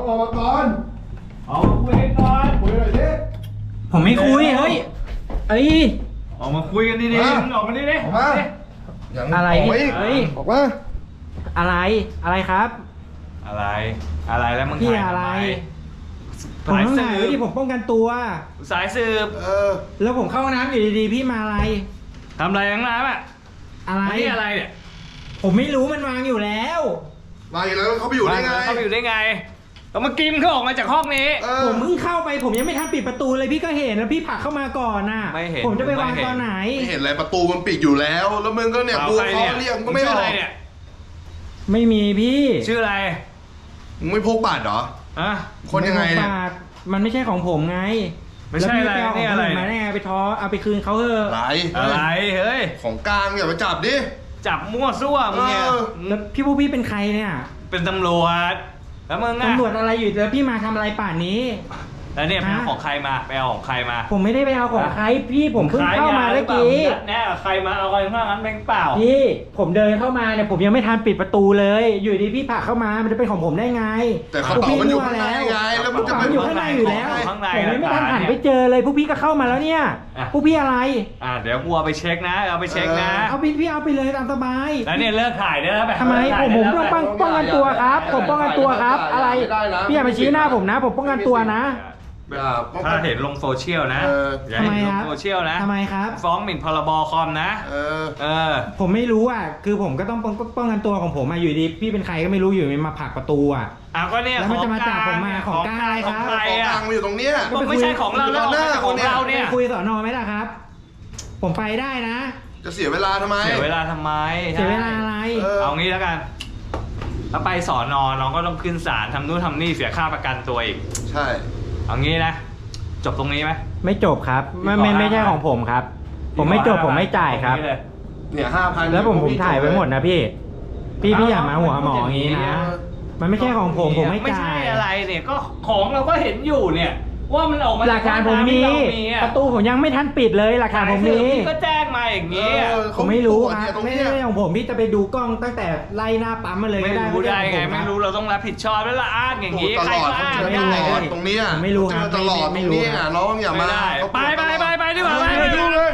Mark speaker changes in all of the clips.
Speaker 1: ออกมาก่อน
Speaker 2: เอาคุยกันก่อน
Speaker 1: คุยหน่อยดิ
Speaker 3: ผมไม่คุยเฮ้ย
Speaker 2: ออกมาคุยกันดีๆมึงออกมาดิ
Speaker 1: ออกมา
Speaker 3: อะไร
Speaker 1: เฮ้ยออกมา
Speaker 3: อะไรครับ
Speaker 2: อะไรแล้วมึง
Speaker 3: พี่อะไรผมต้องถ่ายไว้ที่ผมป้องกันตัว
Speaker 2: สายสืบ
Speaker 3: แล้วผมเข้าน้ำอยู่ดีๆพี่มาอะไร
Speaker 2: ทำอะไรทั้งนั้นอ่ะ
Speaker 3: อะไร
Speaker 2: เนี่ย
Speaker 3: ผมไม่รู้มันวางอยู่แล้ว
Speaker 1: วางอยู่แล้วเขาไปอยู่ได้ไง
Speaker 2: แล้วเมื่อกี้มันก็ออกมาจากห้องนี้
Speaker 3: ผมเพิ่งเข้าไปผมยังไม่ทันปิดประตูเลยพี่ก็เห็นแล้วพี่ผลักเข้ามาก่อนน่ะ
Speaker 2: ไม่เห็น
Speaker 3: ผมจะไปวางตอนไหน
Speaker 1: ไม่เห็นอะไรประตูมันปิดอยู่แล้วแล้วมึงก็เนี่ยกูเขาเรียกก็ไม่ออก
Speaker 3: ไม่มีพี่
Speaker 2: ชื่ออะไร
Speaker 1: มึงไม่พกบัตรเหรอคนยังไงเนี่ย
Speaker 3: มันไม่ใช่ของผมไง
Speaker 2: ไม่ใช่อะไรนี่อะไร
Speaker 3: มาได้ไงไปท้อเอาไปคืนเขาเถอะ
Speaker 2: อะไรเฮ้ย
Speaker 1: ของกลางอย่าไปจับดิ
Speaker 2: จับมั่วซั่วมึงเนี่ย
Speaker 3: แล้วพี่เป็นใครเนี่ย
Speaker 2: เป็นตำรวจแล้วมึง
Speaker 3: ตำรวจอะไรอยู่แล้วพี่มาทำอะไรป่านนี้
Speaker 2: แล้วเนี่ยไปเอาของใครมา
Speaker 3: ผมไม่ได้ไปเอาของใครพี่ผมเพิ่งเข้ามาเมื่อกี้
Speaker 2: แน่ใครมาเอาอะไรข้างนั้นเป็นเปล่า
Speaker 3: พี่ผมเดินเข้ามาเนี่ยผมยังไม่ทันปิดประตูเลยอยู่ดีพี่ผลักเข้ามามันจะเป็นของผมได้ไง
Speaker 1: แต่กระเป๋ามันอยู่ข้างในไงแล้วมันจะเป็น
Speaker 3: อยู่ข้างในอยู่แล้วผมยังไม่ทันหันไปเจอเลยพวกพี่ก็เข้ามาแล้วเนี่ยพวกพี่อะไร
Speaker 2: เดี๋ยวกูเอาไปเช็คนะเอาไปเช็คนะ
Speaker 3: เอาพี่เอาไปเลยตามสบาย
Speaker 2: แล้วเนี่ยเลิกถ่ายได้แล้วแบบ
Speaker 3: ทำไมผมป้องกันตัวครับผมป้องกันตัวครับอะไรพี่อย่ามาชี้หน้าผมนะผมป้องกันตัวนะ
Speaker 2: ถ้าเห็นลงโซเชียลนะ
Speaker 3: ทำไมครับ
Speaker 2: โซเชียลนะ
Speaker 3: ทำไมครับ
Speaker 2: ฟ้องหมิ่นพรบคอมนะ
Speaker 3: ผมไม่รู้คือผมก็ต้องป้องกันตัวของผมอยู่ดีพี่เป็นใครก็ไม่รู้อยู่มาผลักประตู
Speaker 2: ก็เนี่ย
Speaker 3: แล้วมันจะมาจับผมมาของกลางอะไรครับ
Speaker 1: ของกลางมาอยู่ตรงเนี้ย
Speaker 2: ไม่ใช่ของเราแล้วของเราเนี่ย
Speaker 3: คุยสน.ไหมล่ะครับผมไปได้นะ
Speaker 1: จะเสียเวลาทำไม
Speaker 3: เสียเวลาอะไร
Speaker 2: เอางี้แล้วกันถ้าไปสน.น้องก็ต้องขึ้นศาลทำนู่นทำนี่เสียค่าประกันตัวอีก
Speaker 1: ใช่
Speaker 2: เอางี้นะจบตรงนี้ไหม
Speaker 3: ไม่จบครับไม่ใช่ของผมครับผมไม่จบผมไม่จ่ายครับ
Speaker 1: เนี่ย5,000
Speaker 3: แล้วผมถ่ายไว้หมดนะพี่อย่ามาหัวหมออย่างนี้นะมันไม่ใช่ของผมไม่จ่าย
Speaker 2: ไม่ใช่อะไรเนี่ยก็ของเราก็เห็นอยู่เนี่ยว่ามันออกมา
Speaker 3: หลักฐานผมมีประตูผมยังไม่ทันปิดเลยหลักฐานผมมี
Speaker 2: ก็แจ้งมาอย่างนี้
Speaker 3: ผมไม่รู้ครับไม่ใช่ของผมพี่จะไปดูกล้องตั้งแต่ไล่หน้าปั๊มมาเลย
Speaker 2: ไม่รู้ได้ไงไม่รู้เราต้องรับผิดชอบแล้วละอ้างอย่างนี้ใครก็อ้างได้
Speaker 1: ตรงนี้
Speaker 3: ไม่รู้ครับ
Speaker 1: ตลอดตรงนี้น้องอย่ามา
Speaker 2: ไปดีกว่าไปดูเลย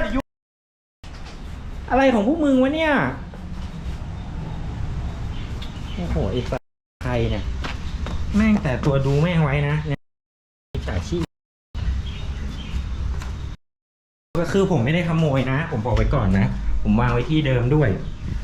Speaker 3: อะไรของพวกมึงวะเนี่ยโอ้โหไอ้ใครเนี่ยแม่งแต่ตัวดูแม่งไว้นะจ่ายชีพก็คือผมไม่ได้ขโมยนะผมบอกไว้ก่อนนะผมวางไว้ที่เดิมด้วย